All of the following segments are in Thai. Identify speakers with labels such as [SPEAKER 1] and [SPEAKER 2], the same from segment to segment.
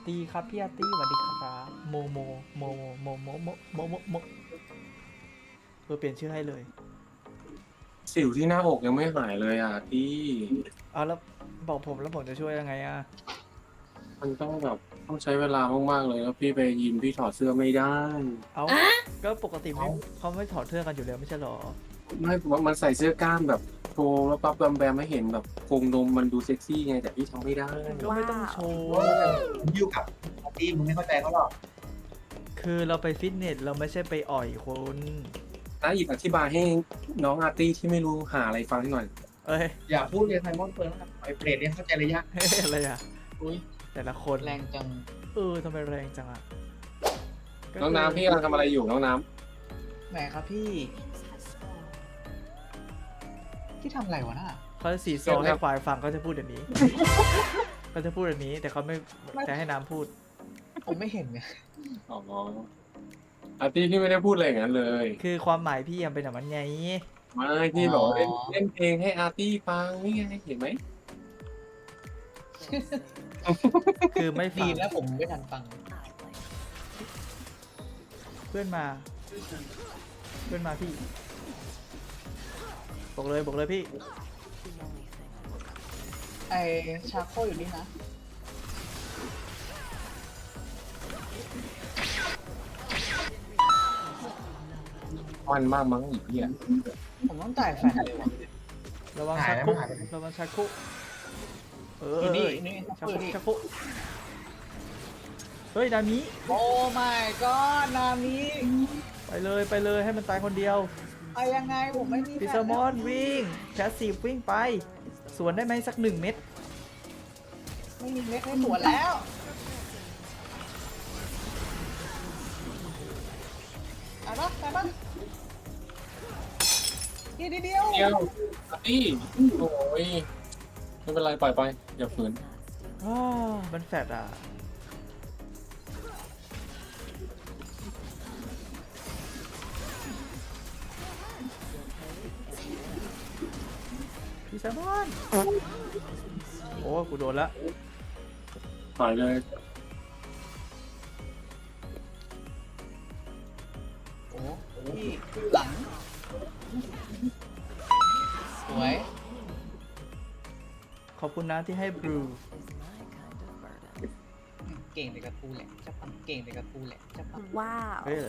[SPEAKER 1] ดีครับพี่อาร์ตี้สวัสดีครับโมโมโมโมโมโมโมโมโมเปลี่ยนชื่อให้เลย
[SPEAKER 2] สิวที่หน้าอกยังไม่หายเลยอ่ะพี่
[SPEAKER 1] เอาแล้วบอกผมแล้วผมจะช่วยยังไงอ่ะ
[SPEAKER 2] มันต้องแบบต้องใช้เวลามากๆเลยแล้วพี่ไปยิมพี่ถอดเสื้อไม่ได้
[SPEAKER 1] เอาก็ปกติไม่เขาไม่ถอดเสื้อกันอยู่แล้วไม่ใช่หรอ
[SPEAKER 2] ไม่มันใส่เสื้อกล้ามแบบโชว์แล้วปั๊บแบมแบมไม่เห็นแบบโครงนมมันดูเซ็กซี่ไงแต่พี่ทำไม่ได้
[SPEAKER 1] ก็ไม่ต้องโชว์
[SPEAKER 3] ผมอยู่กับปาร์ตี้มึงไม่เข้าใจเขาหรอก
[SPEAKER 1] คือเราไปฟิตเนสเราไม่ใช่ไปอ่อยคน
[SPEAKER 2] นะอีกอธิบายให้น้องอาร์ตี้ที่ไม่รู้หาอะไรฟังหน่อย
[SPEAKER 1] เอ้ย
[SPEAKER 3] อย่าพูดเลยไซมอนเฟิร์นไอ้เปรตเนี่ยเข้าใจระยะ
[SPEAKER 1] เฮ้ยอะไรอ่ะ
[SPEAKER 3] อุ้ย
[SPEAKER 1] แต่ละคน
[SPEAKER 3] แรงจัง
[SPEAKER 1] ทำไมแรงจังอ่ะก็
[SPEAKER 2] น้องน้ำพี่กำลังทำอะไรอยู่น้องน้
[SPEAKER 3] แหมครับพี่ทำอะไรวะน่ะ
[SPEAKER 1] เขาจะสีซอให้ควายฟังก็จะพูดแบบนี้ ก็จะพูดแบบนี้แต่เขาไม่แต่ให้น้ำพูด
[SPEAKER 3] ผมไม่เห็นไง
[SPEAKER 2] ำอ๋ออาร์ตี้พี่ไม่ได้พูดอะไรอย่างนั้นเลย
[SPEAKER 1] คือความหมายพี่ยังเป็นแบบนั้นไง
[SPEAKER 2] ไม่พี่บอกว่าเล่นเพลงให้อาร์ตี้ฟังนี่ไงเห็นไหม
[SPEAKER 1] คือไม่ฟั
[SPEAKER 3] ดี
[SPEAKER 1] ง
[SPEAKER 3] แล้วผมไม่ทันฟัง
[SPEAKER 1] เพื่อนมาพี่บอกเลยพี่
[SPEAKER 3] ไอชาโคอยู่นี่นะ
[SPEAKER 2] มันมากมั้งอีกพี่อ่ะ
[SPEAKER 3] ผมต้องจ่ายแฟนเลยวะ
[SPEAKER 1] ระวัง
[SPEAKER 3] หาย
[SPEAKER 1] ชัก
[SPEAKER 3] แล้ว
[SPEAKER 1] คุก
[SPEAKER 3] หายไปไหน
[SPEAKER 1] ระวังชักคุก
[SPEAKER 3] อยู่นี่นี่
[SPEAKER 1] ชัก
[SPEAKER 3] อยู่
[SPEAKER 1] คุก
[SPEAKER 3] นี่
[SPEAKER 1] ชักคุกเฮ้ยดามิ
[SPEAKER 3] โอ้ my god นามิ
[SPEAKER 1] ไปเลยให้มันตายคนเดียว
[SPEAKER 3] ไปยังไงผมไม่มี
[SPEAKER 1] พิ
[SPEAKER 3] แฟ
[SPEAKER 1] ซ
[SPEAKER 3] น
[SPEAKER 1] มอนวิ่งแคสซีฟวิ่งไป สวนได้ไหมสัก1 เม็ด
[SPEAKER 3] ไม่มีเม็ดให้สวนแล้วไปปะเดียว
[SPEAKER 2] เดียวอาร์ตี้โอ้ยไม่เป็นไรปล่อยไปอย่าฝืน
[SPEAKER 1] มันแฟดอ่ะพิซมอนโอ้กูโดนละ
[SPEAKER 2] ปล่อยเลย
[SPEAKER 3] โอ้พี่หลัง สวย
[SPEAKER 1] ขอบคุณนะที่ให้บลู
[SPEAKER 3] เก่งแต่กระทูแหละจะปังเก่งแต่กระทูแหละจะปัง
[SPEAKER 4] ว้าว
[SPEAKER 1] เฮ้ย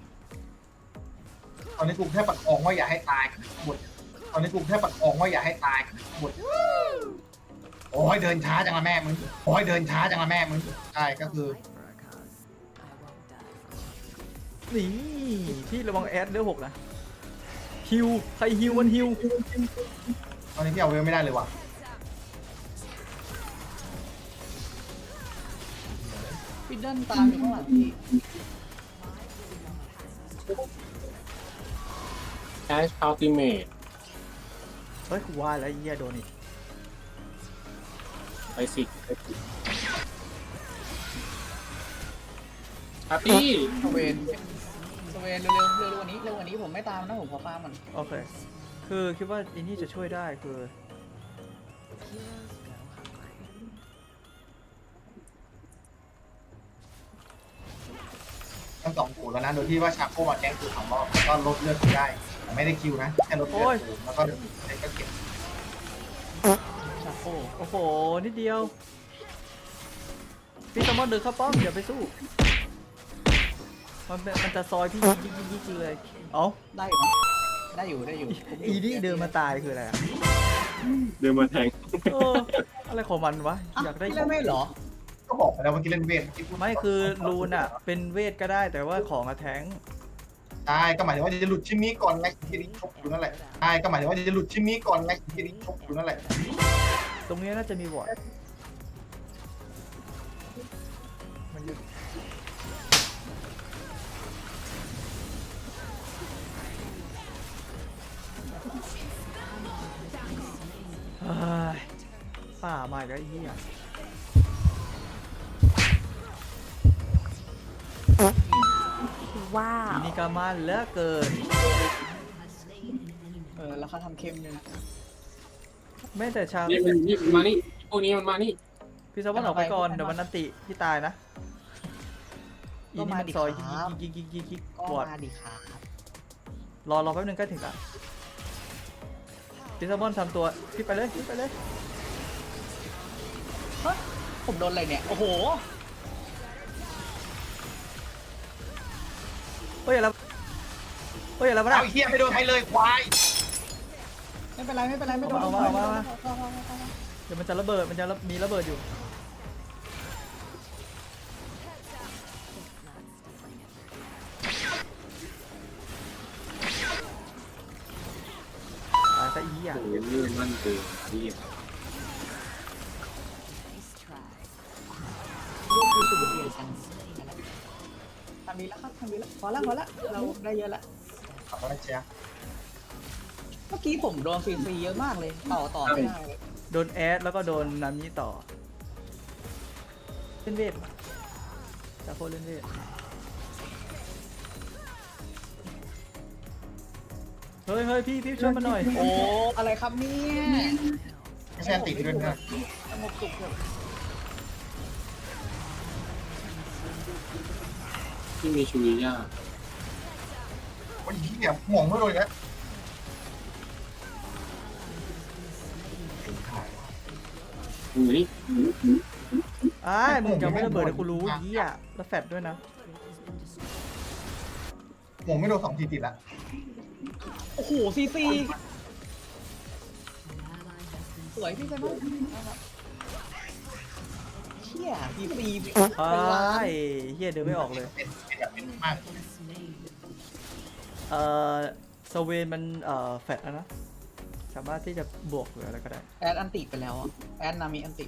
[SPEAKER 5] ตอนนี้กูแค่ปัดอองว่าอย่าให้ตายหมดตอนนี้กูแค่ปัดอองว่าอย่าให้ตายหมดโอ้ยเดินช้าจังละแม่มึงโอ้ยเดินช้าจังละแม่มึงใช่ก็คือ
[SPEAKER 1] นี่พี่ระวังแอดเดือ6นะฮิวใครฮิวมันฮิว
[SPEAKER 5] ตอนนี้พี่เอาเวลไม่ได้เลยว่ะ
[SPEAKER 3] พี่เดินตามอยู่ข้างหลังพี่
[SPEAKER 2] แอชอัลติเมท
[SPEAKER 1] เฮ้ยกูว่าแล้วไอ้เหี้ยโดนอีก
[SPEAKER 2] ไปสิอาร์ตี้
[SPEAKER 3] สเวนเร็วกว่านี้ผมไม่ตามนะผมขอฟาร์มมัน
[SPEAKER 1] โอเคคือคิดว่าอินนี่จะช่วยได้คือ
[SPEAKER 5] ทั้ง2กูแล้วนะโดยที่ว่าชาโคมาแกงกู2 รอบแล้วก็ลดเลือดกูได้แต่ไม่ได้คิวนะแค่ลดเลือดกูแล้วก็เดี๋ยวก็เก็บ
[SPEAKER 3] ชาโค
[SPEAKER 1] โอ้โหนิดเดียวพี่สมอนเดินเข้าป้อมอย่าไปสู้มันจะซอยพี่ยิกเลยเอ้า
[SPEAKER 3] ได้อยู่นะได้อยู่ผม
[SPEAKER 1] อีนี่เดินมาตายคืออะไรอะ
[SPEAKER 2] เดินมาแทง
[SPEAKER 1] เอออะไรของมันวะอยากได้
[SPEAKER 3] พี่
[SPEAKER 1] ข
[SPEAKER 3] เล่
[SPEAKER 1] อน ง
[SPEAKER 3] ไม่เหรอ
[SPEAKER 5] ก็บอกไปแล้วเมื่อกี้เล่นเวทเมื่อกี้พูด
[SPEAKER 1] ไม่คือรูนอะเป็นเวทก็ได้แต่ว่าของอะแทง
[SPEAKER 5] ใช่ก็หมายถึงว่าจะหลุดชิมนี้ก่อนไงที่นี่ชกอยู่นั่นแหละใช่ก็หมายถึงว่าจะหลุดชิมนี้ก่อนไงที่นี่ชกอยู่นั่นแหละ
[SPEAKER 1] ตรงนี้น่าจะมีวอร์ดมันอยู่เฮ้ยป่ามาอีกแล้วไอ้เหี้ย
[SPEAKER 4] ว้าว
[SPEAKER 1] อีนี่ก็มันเหลือเกิน
[SPEAKER 3] แล้วเขาทำเค็มด้วยนะ
[SPEAKER 1] แม้แต่ชาว
[SPEAKER 2] นี่มันมานี่พวกนี้มันมานี่
[SPEAKER 1] พี่แซมมอนออกไปก่อนเดี๋ยวมันนันติพี่ตายนะอี
[SPEAKER 3] ก็
[SPEAKER 1] นี่
[SPEAKER 3] มา
[SPEAKER 1] มัน
[SPEAKER 3] ดิ
[SPEAKER 1] ซอย
[SPEAKER 3] ครับ
[SPEAKER 1] ยิก
[SPEAKER 3] ก็
[SPEAKER 1] ปวด
[SPEAKER 3] มาดิครับ
[SPEAKER 1] รอแป๊บนึงใกล้ถึงละพี่แซมมอนทำตัวพี่ไปเลย
[SPEAKER 3] เฮ้ยผมโดนอะไรเนี่ยโอ้โห
[SPEAKER 1] เฮ้ยอะไรมา
[SPEAKER 5] เอาไอ้เหี้ยไม่โดนใครเลยควาย
[SPEAKER 3] ไม่เป็นไรไม่โดน
[SPEAKER 1] เอามาเดี๋ยวมันจะระเบิดมันจะมีระเบิดอยู่ตายซะอีอ่ะ
[SPEAKER 2] โอ้โหลื่นมันเกินที่
[SPEAKER 3] ทำดีแล้วครับทำดีแล้วพอละเราได้เยอะละ
[SPEAKER 5] ขอบคุณเชียร์
[SPEAKER 3] เมื่อกี้ผมโดนฟรีๆเยอะมากเลยต่อไม่ได้เลย
[SPEAKER 1] โดนแอดแล้วก็โดนนามิต่อเล่นเวทจาโคเล่นเวทเฮ้ยพี่ช่วยมาหน่อย
[SPEAKER 3] โอ้อะไรครับเนี่ย
[SPEAKER 5] ไม่ใช่ติดด้วยนะ
[SPEAKER 3] สงบสุขเถอะ
[SPEAKER 2] ที่มีชูริยา
[SPEAKER 5] โอ้ยเหี้ยห่วงไม่โดนแล้ว
[SPEAKER 2] อยู่นี่
[SPEAKER 1] อ้ายมึงจะไม่ระเบิดเลยกูรู้ยี่อ่ะแล้วแฟดด้วยนะ
[SPEAKER 5] ห่วงไม่โดน2 ทีติดแล้ว
[SPEAKER 3] โอ้โหซีสวยพี่ใช่ไหมเชี่ยซีเป็น
[SPEAKER 1] อ้า
[SPEAKER 3] ล้าน
[SPEAKER 1] ยเฮียเดินไม่ออกเลย
[SPEAKER 5] เป็นแบบเป็นมาก
[SPEAKER 1] สเวนมันแฟดแล้วนะสามารถที่จะบวกหรืออะไรก็ได้
[SPEAKER 3] แอดอันติไปแล้วอ่ะแอดนามีอันติ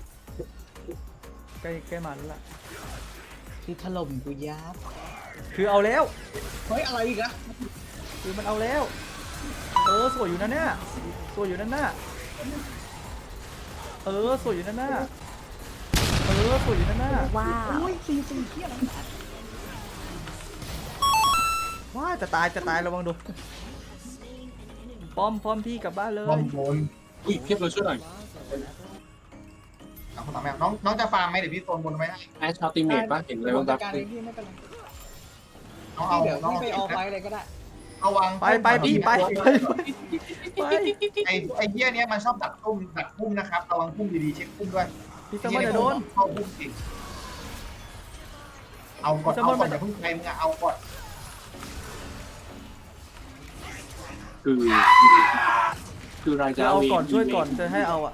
[SPEAKER 1] ใกล้มาแล้วล่ะ
[SPEAKER 3] คือถล่มกูยับ
[SPEAKER 1] คือเอาแล้ว
[SPEAKER 3] เฮ้ยอะไรอีกอะ
[SPEAKER 1] คือมันเอาแล้วสวยอยู่นะเนี่ยสวยอยู่นั่นน่ะสวยอยู่นั่นน่ะสวยอยู่นั่นน่ะ
[SPEAKER 3] ว้าวอุ้ยซีเที่ยอะไร
[SPEAKER 1] ว้าจะตายระวังดูป้อมพี่กลับบ้านเลย
[SPEAKER 5] บอมโดน
[SPEAKER 2] อุ้ยเพียบเลยช่วยหน่อย
[SPEAKER 5] เอาคนต่อแม่น้องจะฟาร์มไหมเดี๋ยวพี่โซนบนไว้ให้
[SPEAKER 2] แอชชาติเมตป่ะเห็นอะไรบ้าง
[SPEAKER 3] จั
[SPEAKER 2] ครั
[SPEAKER 3] ด
[SPEAKER 2] บ
[SPEAKER 3] การเองพี่ไม่เป็นไร
[SPEAKER 5] น้องเอา
[SPEAKER 3] เดี๋ยว
[SPEAKER 5] น้อง
[SPEAKER 3] พี่ไปออฟไลน์เลยก็ได้
[SPEAKER 5] เอาวาง
[SPEAKER 1] ไปพี่ไป
[SPEAKER 5] ไอ้เหี้ยเนี้ยมันชอบดักพุ่มนะครับระวังพุ่มดีๆเช็คพุ่มด้วย
[SPEAKER 1] พี่แซมมอนจะโดน
[SPEAKER 5] เข้าพุ่มสิเอาก่อนอย่าเพิ่งใครมึงเอาก่อน
[SPEAKER 2] คือราย
[SPEAKER 1] จะ
[SPEAKER 2] จ่าย
[SPEAKER 1] เอาก่อนช่วยก่อนจะให้เอาอ่ะ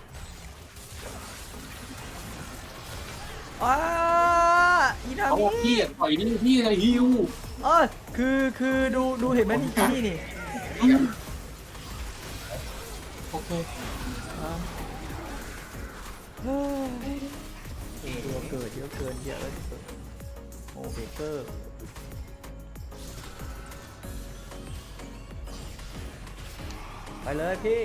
[SPEAKER 1] อีนา
[SPEAKER 2] เขา
[SPEAKER 1] มิ
[SPEAKER 2] บอกพี่ต่อยนี่พี่อะไรฮิว
[SPEAKER 1] คือดูเห็นไหมนี่นี่
[SPEAKER 2] โอเค
[SPEAKER 1] เยอะเกินเยอะเกินโอ้เบเกอร์ไปเลยพี่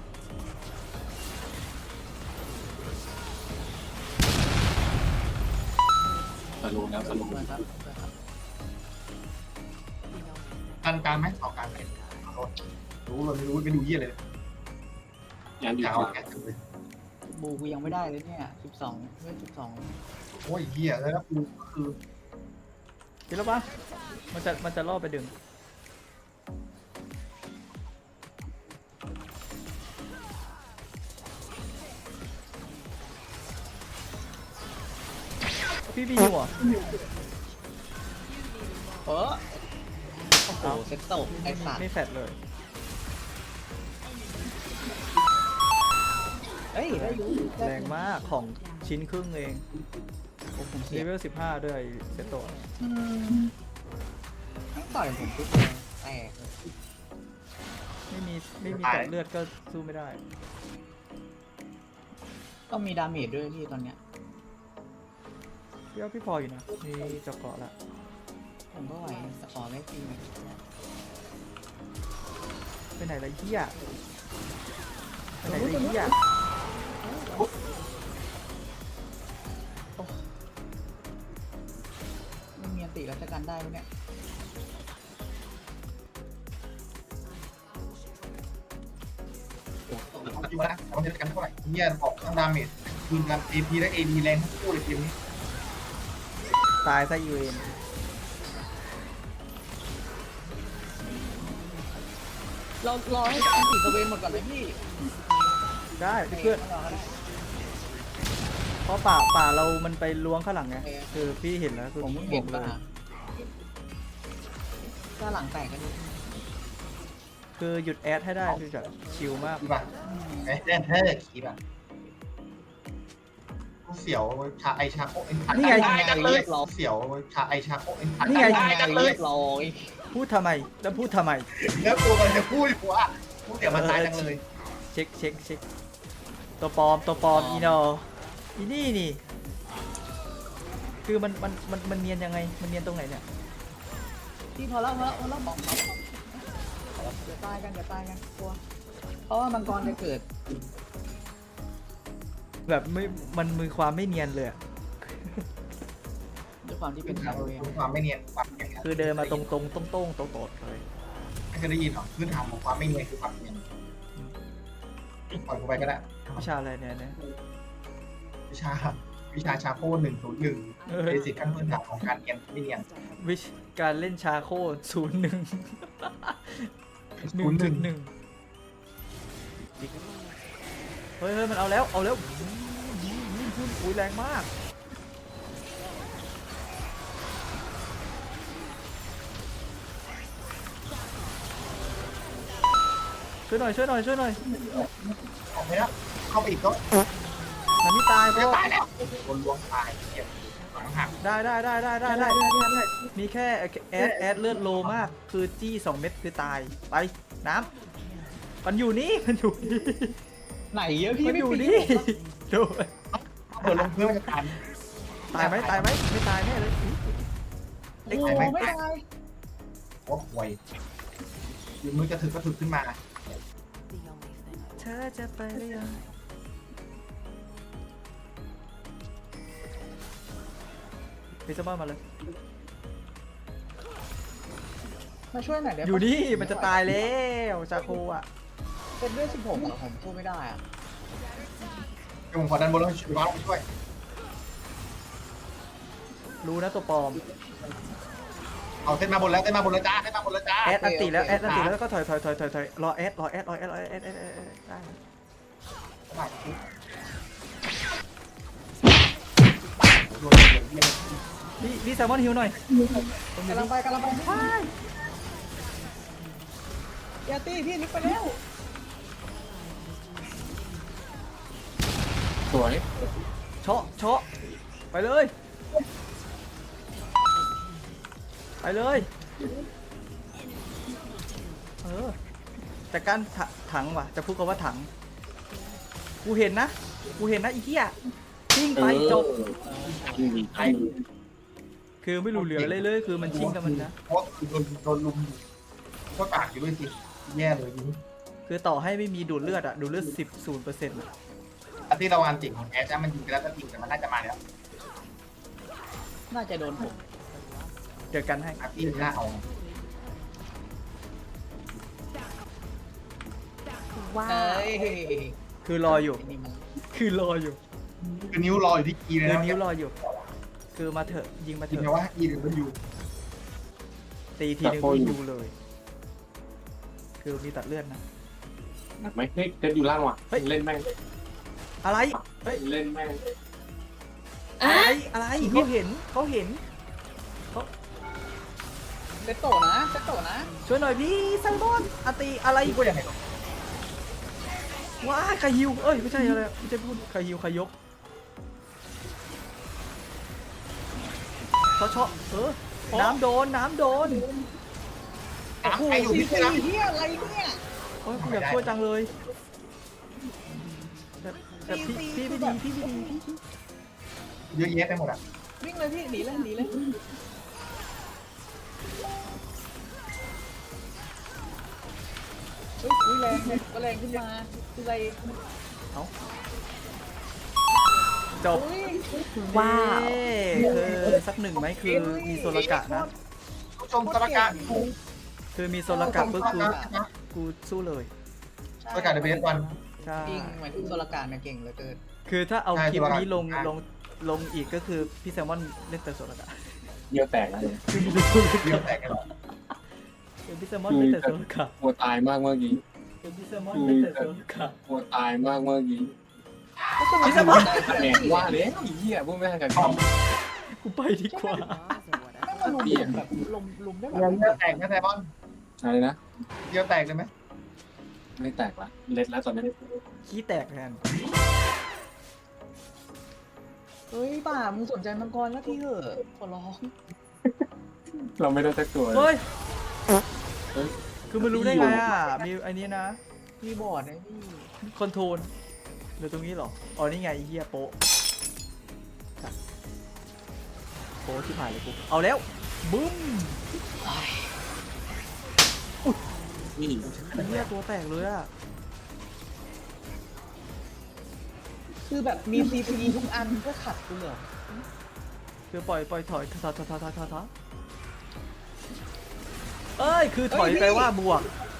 [SPEAKER 2] สโลว์แล้วสโลว์
[SPEAKER 3] ครับ
[SPEAKER 5] กันการไหมเอาการไหมรู้เลยไม่รู้ไม่ดูเหี้ยเลย
[SPEAKER 2] ยันอยู่
[SPEAKER 5] จะ
[SPEAKER 2] ข
[SPEAKER 5] เอา
[SPEAKER 2] วา
[SPEAKER 5] แค่เลย
[SPEAKER 3] บูกูยังไม่ได้เลยเนี่ย12เว้ย12
[SPEAKER 5] โอ้ยเหี้ยแล้วกูคือ
[SPEAKER 1] กินแล้วปะมันจะล่อไปดึงพี่บีหัว
[SPEAKER 3] โอ้โหเซ็ตโตไอ้สัตว์
[SPEAKER 1] ไม่แฟดเลย
[SPEAKER 3] เฮ้ยได้อยู่
[SPEAKER 1] แรงมากของชิ้นครึ่งเอง
[SPEAKER 3] ผมเสี
[SPEAKER 1] เลย เวล15ด้วยเซตโต
[SPEAKER 3] ต่อยผมปุ๊บแตก
[SPEAKER 1] ไม่มีตัดเลือดก็สู้ไม่ได้
[SPEAKER 3] ต้องมีดาเมจด้วยพี่ตอนเนี้ย
[SPEAKER 1] พี่พออยู่นะมีเจาะเกาะละ
[SPEAKER 3] ผมก็ไหวแต่ขอไม่ฟรี
[SPEAKER 1] ไปไหนละเหี้ยไปไหนละเหี้ย
[SPEAKER 3] ไม่มีอันติรัชการได้ไหมเนี่ย
[SPEAKER 5] อยู่นะเอาเงินกันเท่าไหร่เหี้ยออกทั้งดาเมจคืนกัน AP และ AD แรงทั้งคู่เลยทีมนี้
[SPEAKER 1] ตายซะอีเวน
[SPEAKER 3] เรารอให้อันติสเวนหมดก่อนเลยพี่
[SPEAKER 1] ได้เพื่อน
[SPEAKER 3] รอก็ได้
[SPEAKER 1] เพราะป่าเรามันไปล้วงข้างหลังไง
[SPEAKER 3] โอเค
[SPEAKER 1] คือพี่เห็นแล้วคือ
[SPEAKER 3] ผมเพิ่ง
[SPEAKER 1] บ
[SPEAKER 3] เห็
[SPEAKER 1] อน กเล
[SPEAKER 3] ป่ะ
[SPEAKER 1] ย
[SPEAKER 3] ถ้าหลังแตกก็ดี
[SPEAKER 1] คือหยุดแอดให้ได้คือแบบชิลมาก
[SPEAKER 5] คีบอ่ะไอ้เล่นเท่คีบอ่ะเสียวชาไอชาโคเอ็น
[SPEAKER 1] นี่ไง
[SPEAKER 5] ได้จังเลยเสียวชาไอชาโคเอ็น
[SPEAKER 1] นี่ไง
[SPEAKER 5] ได้จังเลย
[SPEAKER 3] เรียบร้อย
[SPEAKER 1] พูดทำไมแล้วพูดทำไม
[SPEAKER 5] แล้วตัวมันจะพูดอยู่ว่าพูดเดี๋ยวมันตายจังเลย
[SPEAKER 1] เช็คตัวปลอมอีโนอีนี่นี่ คือมันเนียนยังไงมันเนียนตรงไหนเนี่ย
[SPEAKER 3] พี่พอแล้วบอกเขาเดี๋ยวตายกันกลัวเพราะว่ามังกรจะเกิด
[SPEAKER 1] แบบมันมีความไม่เนียนเลยอะ
[SPEAKER 3] ด้วยความที่เป็นชาวเวร
[SPEAKER 5] ความไม่เนียนความเนียน
[SPEAKER 1] คือเดินมาตรงโตดเลย
[SPEAKER 5] ไม่เคยได้ยินหรอพื้นฐานของความไม่เนียนคือความเนียนปล่อยกูไปก็ได้
[SPEAKER 1] วิชาอะไรเนี่ย
[SPEAKER 5] วิชาชาโค101เบสิกขั้นพื้นฐานของการเนียนไม่เนียน
[SPEAKER 1] วิชการเล่นชาโค01 1.1เฮ้ยมันเอาแล้วอุ้ยแรงมากช่วยหน่อย
[SPEAKER 5] ออกไปแล้วเข้าไปอีกก็
[SPEAKER 1] มันไม่ตายเพ
[SPEAKER 5] จะ
[SPEAKER 1] ราะ
[SPEAKER 5] ตายแล้วโดนล้วงตายเจ็บหลังหัก
[SPEAKER 1] ได้มีแค่แอดเลือดโลมากคือจี้2 เม็ดคือตายไปน้ำมันอยู่นี่
[SPEAKER 3] ไหนเยอะพี่
[SPEAKER 1] มัน
[SPEAKER 3] ไม่
[SPEAKER 1] อยู่
[SPEAKER 3] ปี
[SPEAKER 1] นี่ดู
[SPEAKER 5] เปิดลงเพื่อมันจะตาย
[SPEAKER 1] ตายไหมไม่ตายแน่เลย
[SPEAKER 3] โอ้โหไม่ตาย
[SPEAKER 5] โอ้ห่วยยืนมือจะถึกก็ถึกขึ้นมา
[SPEAKER 1] เธอจะไปหรือยังพิซซ่ามาเลย
[SPEAKER 3] มาช่วยหน่อยเดี๋ยว
[SPEAKER 1] อยู่นี่มันจะตายแล้วชาโคอ่ะ
[SPEAKER 3] เป็นด้วย16เหรอผมสู้ไม่ได้อะ
[SPEAKER 5] เดี๋ยวผมขอดันบนแล้วช่วยช่วย
[SPEAKER 1] รู้นะตัวปลอม
[SPEAKER 5] เอาเต้นมาบนแล้วจ้า
[SPEAKER 1] แอดอันติแล้วแล้วก็ถอยรอแอดได้พี่แซลมอนฮิวหน่อย
[SPEAKER 3] กำลังไปอย่าตีพี่นิกไปแล้ว
[SPEAKER 2] สวย
[SPEAKER 1] เชาะไปเลยแต่การถังว่ะจะพูดกันว่าถังกูเห็นนะอีเหี้ยชิ่งไปจบ
[SPEAKER 5] ใคร
[SPEAKER 1] คือไม่รู้เหลืออะไรเลยคือมันชิ่งกับมันนะ
[SPEAKER 5] เพราะโดนลุมก็ปากอยู่ด้วยสิแย่เลย
[SPEAKER 1] คือต่อให้ไม่มีดูดเลือดอะดูดเลือด0%อะ
[SPEAKER 5] อันที่เราอันติของแอชมันยิงไปแล้วก็ยิงแต่มันน่าจะมาแล้ว
[SPEAKER 3] น่าจะโดนผม
[SPEAKER 1] เจอกันให้
[SPEAKER 5] อันที่หน้าเอา
[SPEAKER 3] เอ้ย
[SPEAKER 1] คือรออยู่
[SPEAKER 5] คือนิ้วรออยู่ที่กีเลย
[SPEAKER 1] คือ
[SPEAKER 5] นะ
[SPEAKER 1] นิ้วรออยู่ คือมาเถอะยิงมาเถ
[SPEAKER 5] จริง
[SPEAKER 1] อะ
[SPEAKER 5] นะว่ากีหรือมันอยู่
[SPEAKER 1] ตีทีนึงก็ยูเลย คือมีตัดเลือดนะ
[SPEAKER 2] ไม่เฮ้ยเล่นอยู่ล่างว่ะเล่นแม่ง
[SPEAKER 1] อะไรเฮ้ย
[SPEAKER 2] เล่นแม่ง
[SPEAKER 1] อะไรเขาเห็น
[SPEAKER 3] เซตโตนะ
[SPEAKER 1] ช่วยหน่อยพี่ไซมอนอาตีอะไร
[SPEAKER 5] ก็ยังไง
[SPEAKER 1] ว้าคาฮิวเอ้ยไม่ใช่อะไรไม่ใช่พูดคาฮิวคายกเชาะน้ำโดน
[SPEAKER 5] ใครอยู่ที่นะ
[SPEAKER 3] เฮียอะไรเนี่ย
[SPEAKER 1] โอ้ยกูอยากช่วยจังเลยแต่พี่ไม่ดี
[SPEAKER 5] เยอะแยะไปหมดอ่ะ
[SPEAKER 3] วิ่งเลยพี่หนีเลยเฮ้ยแรงขึ้นมาคืออะไร
[SPEAKER 1] จบ
[SPEAKER 3] ว้าว
[SPEAKER 1] คือสักหนึ่งไหมคือมีโซลกะนะ
[SPEAKER 5] ผู้ชมสารการ
[SPEAKER 1] คือมีโซลกะปุ๊บกูสู้เลย
[SPEAKER 5] สารการเดบิวต์วัน
[SPEAKER 1] ใช่
[SPEAKER 3] จริงเหมือนโซลการเนี่ยเก่งเหลือเกิน
[SPEAKER 1] คือถ้าเอา
[SPEAKER 5] ใช่
[SPEAKER 1] คลิป
[SPEAKER 5] ตัวละ
[SPEAKER 1] นี้ลงอีกก็คือพี่แซมมอนเล่นเตอร์โซลกะ
[SPEAKER 2] เยี่ยวแตกแล้วเนี่ย
[SPEAKER 5] เดี๋ยวแตกกันหรอ
[SPEAKER 1] เป็นพี่แซมมอนเล่นเตอร์โซลกะ
[SPEAKER 2] กลัวตายมากเมื่อกี้
[SPEAKER 1] เป็นพี่แซมมอนเล่นเตอร์โซลกะ
[SPEAKER 2] กลัวตายมากเมื่อกี้
[SPEAKER 1] พี่แซมมอน
[SPEAKER 2] แหมว่าเลยไอ้เหี้ยพวกแม่งกัน
[SPEAKER 1] กูไปดีกว่า
[SPEAKER 3] ไม่มาลุมแบบลุมได้แบบ
[SPEAKER 5] เดี๋ยวแตกนะไซมอน
[SPEAKER 2] อะไรนะ
[SPEAKER 5] เดี๋ยวแตกเลยไหม
[SPEAKER 2] ไม่แตกละเล็ดแล้วตอนนี้
[SPEAKER 1] ขี้แตกแทน
[SPEAKER 3] เฮ้ยป่ามึงสนใจมังกรแล้วที่เหอะขอร้อง
[SPEAKER 2] เราไม่ได้สักตัว
[SPEAKER 1] เฮ้ย
[SPEAKER 2] เฮ้ย
[SPEAKER 1] คือมันรู้ได้ไงอ่ะ มีไอ้นี้นะ
[SPEAKER 3] พี่บอร์ดนะพี่
[SPEAKER 1] คอนโทรลหรือตรงนี้เหรอ อ๋อ นี่ไงไอ้เฮียโป๊ะโป๊ะที่ผ่านเลยกู เอาแล้ว บึ้ม
[SPEAKER 2] นี่
[SPEAKER 1] ไอ้เฮียตัวแตกเลยอ่ะ
[SPEAKER 3] คือแบบมีซีพีทุกอันเพื่อขัดกูเหรอ
[SPEAKER 1] คือปล่อยถอยถอยเอ้ย คือถอยไปว่าบวก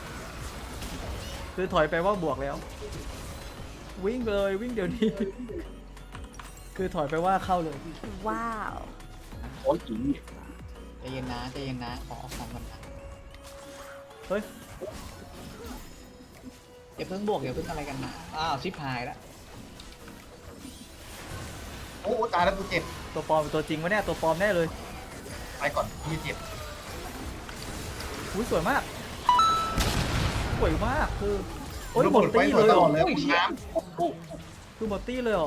[SPEAKER 1] คือถอยไปว่าบวกแล้ว วิ่งเลยวิ่งเดี๋ยวนี้ คือถอยไปว่าเข้าเลย
[SPEAKER 4] Wow.
[SPEAKER 2] โอ้ยอี
[SPEAKER 3] ใจเย็นนะใจเย็นนะขอเอาของก่อนนะ
[SPEAKER 1] เฮ้ย
[SPEAKER 3] อย่าเพิ่งบวกอย่าเพิ่งอะไรกันนะอ้าวชิบหายแล้ว
[SPEAKER 5] โอ้ตายแล้วกูเจ็บ
[SPEAKER 1] ตัวปลอมเป็นตัวจริงวะเนี่ย ตัวปลอมแน่เลย
[SPEAKER 5] ไปก่อนพี่เจ็บ
[SPEAKER 1] อุ้ยสวยมาก สวยมาก คือ โอ้ยหมดตี้เลย
[SPEAKER 5] ต
[SPEAKER 1] เหร
[SPEAKER 5] ล
[SPEAKER 1] อ
[SPEAKER 5] อดเลยน้
[SPEAKER 1] คือหมดตี้เลยเหรอ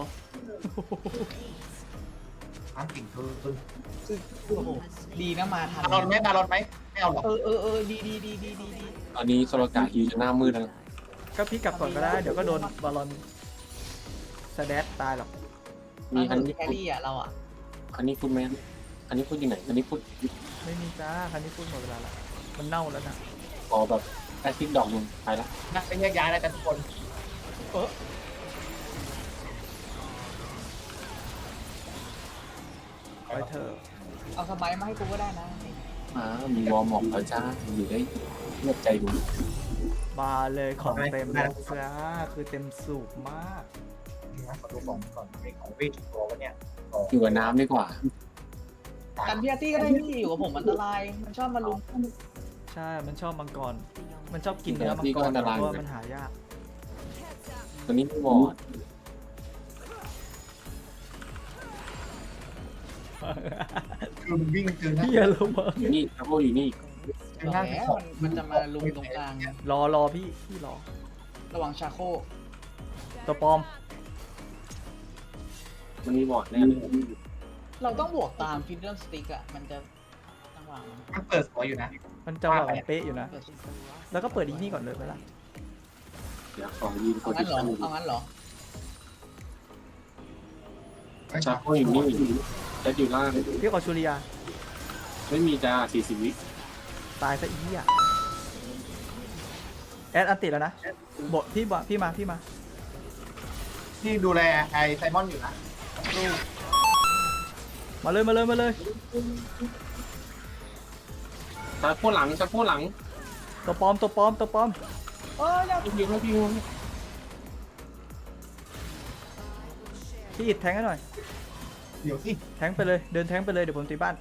[SPEAKER 5] ำน้ำกิ่งคือ
[SPEAKER 3] คือโอ้โหดีนะมาทัน
[SPEAKER 5] มารอนไหมมารอนไหมไม่เอาหรอก
[SPEAKER 3] ดีดี
[SPEAKER 2] ตอนนี้โซโลกาฮิวจะหน้ามืดแล้วนะ
[SPEAKER 1] ก็พี่กลับก่อนก็ได้ เดี๋ยวก็โดนบอลลอนสแดดตายหรอก
[SPEAKER 2] มี
[SPEAKER 3] อั
[SPEAKER 2] อั
[SPEAKER 3] น
[SPEAKER 2] น
[SPEAKER 3] นี้
[SPEAKER 2] นี้
[SPEAKER 3] แครี่อ่ะเราอ่ะ
[SPEAKER 2] อันนี้พูดไหมอันนี้พูดอยู่ไหนอันนี้พูด
[SPEAKER 1] ไม่มีจ้า คันนี้พูดหมดเวลาละ มันเน่าแล้วนะ
[SPEAKER 2] ขอแบบแอซิดดอกหนึงไปละ
[SPEAKER 5] นักไปแยกย้ายแล้วกันทุกคน
[SPEAKER 1] ไปเถอะ
[SPEAKER 3] เอาสบายมาให้กูก็ได้นะ
[SPEAKER 2] มีวอร์มอกแล้วจ้าอยู่ได้เลือกใจดู
[SPEAKER 1] มาเลยของเต็มแล้วจ้า คือเต็มสูบมาก
[SPEAKER 5] นะขอดูของก่อนไอ้ของเวทตัววะเนี่ย
[SPEAKER 2] อยู่กับน้ำดีกว่า
[SPEAKER 3] กันพี่อาร์ตี้ก็ได้พี่อยู่กับผมอันตรายมันชอบมาลุม
[SPEAKER 1] ใช่ มันชอบมังกร มันชอบกินเนื้อมังกรเพราะว่ามันหายาก
[SPEAKER 2] ตัวนี้ไม่วอร์ด
[SPEAKER 5] คือมันวิ่งเจอหน้า
[SPEAKER 1] เฮียแล้วมา
[SPEAKER 2] อยู่นี่ทัพโบอยู่นี่
[SPEAKER 5] เจอหน้า
[SPEAKER 3] แล้ว
[SPEAKER 5] ของ
[SPEAKER 3] มันจะมาลุมตรงกลาง
[SPEAKER 1] รอพี่รอ
[SPEAKER 3] ระวังชาโค
[SPEAKER 1] ตัวปลอม
[SPEAKER 2] มันมีวอร์ดแน่เลย
[SPEAKER 3] เราต้องบวกตามฟินเดอร์สติ๊กอ่ะมันจะจังหวะมัน
[SPEAKER 5] มันเปิดสวยอยู่นะ
[SPEAKER 1] มันจังหวะมันเป๊ะอยู่นะ
[SPEAKER 3] เกิด
[SPEAKER 1] แล้วก็เปิดอีนี่ก่อนเลยไหมล่ะ
[SPEAKER 2] เดี๋ยวขอยืนโพ
[SPEAKER 3] เอา
[SPEAKER 2] ซิ
[SPEAKER 3] งั้นเหรอ
[SPEAKER 2] ชั่น
[SPEAKER 3] เอางั้นเหรอ
[SPEAKER 2] ชาโคอยู่นี่จะอยู่ล่าง
[SPEAKER 1] พี่ขอชูริยา
[SPEAKER 2] ไม่มีจ้า40 วิ
[SPEAKER 1] ตายซะอีอ่ะแอดอันติแล้วนะบทพี่มา
[SPEAKER 5] ที่ดูแลไอ้ไซมอนอยู่นะ
[SPEAKER 1] มาเลย
[SPEAKER 2] ชาโคหลัง
[SPEAKER 1] ตัวปลอม
[SPEAKER 3] อย่า
[SPEAKER 2] พี่ยิงให้พี่ยิง
[SPEAKER 1] พี่อิดแทงให้หน่อย
[SPEAKER 5] เดี๋ยวสิ
[SPEAKER 1] แทงไปเลย เดินแทงไปเลย เดี๋ยวผมตีบ้าน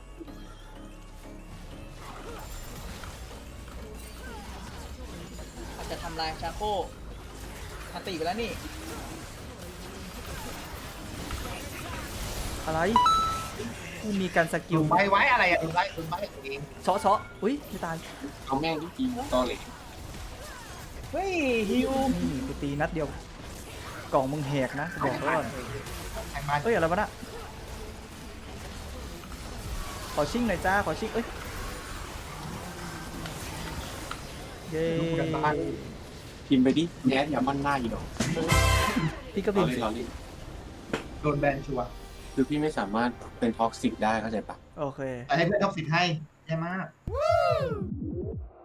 [SPEAKER 3] อาจจะทำลายชาโคอาติไปแล้วนี่
[SPEAKER 1] อะไรไม่มีการสกิ
[SPEAKER 5] ดู
[SPEAKER 1] ล
[SPEAKER 5] ใบไว้อะไรอ่ะดูใบเอง
[SPEAKER 1] เชาะอุ้ยไม่ตาย
[SPEAKER 2] เอาแม่งที่กินตอเหล็ก
[SPEAKER 3] เฮ้ยฮิว
[SPEAKER 1] นี่กูตีนัดเดียว กล่องมึงแหกนะบอกไว้ก่อน
[SPEAKER 5] แทงมา
[SPEAKER 1] เอ้ยอะไรวะน่ะขอชิ่งหน่อยจ้า ขอชิ่งเอ้ย เย้
[SPEAKER 5] ดูกันบ้าน
[SPEAKER 2] พิมพ์ไปดิแอดอย่ามั่นหน้าอีดอก
[SPEAKER 1] พี่ก็
[SPEAKER 2] ต
[SPEAKER 1] บิ
[SPEAKER 2] อน เล่น
[SPEAKER 5] โดนแบนชัวร์
[SPEAKER 2] คือพี่ไม่สามารถเป็นท็อกซิกได้เข้าใจปะ
[SPEAKER 1] โอเค
[SPEAKER 5] แต่ให้เพื่อนท็อกซิตให้แย่มาก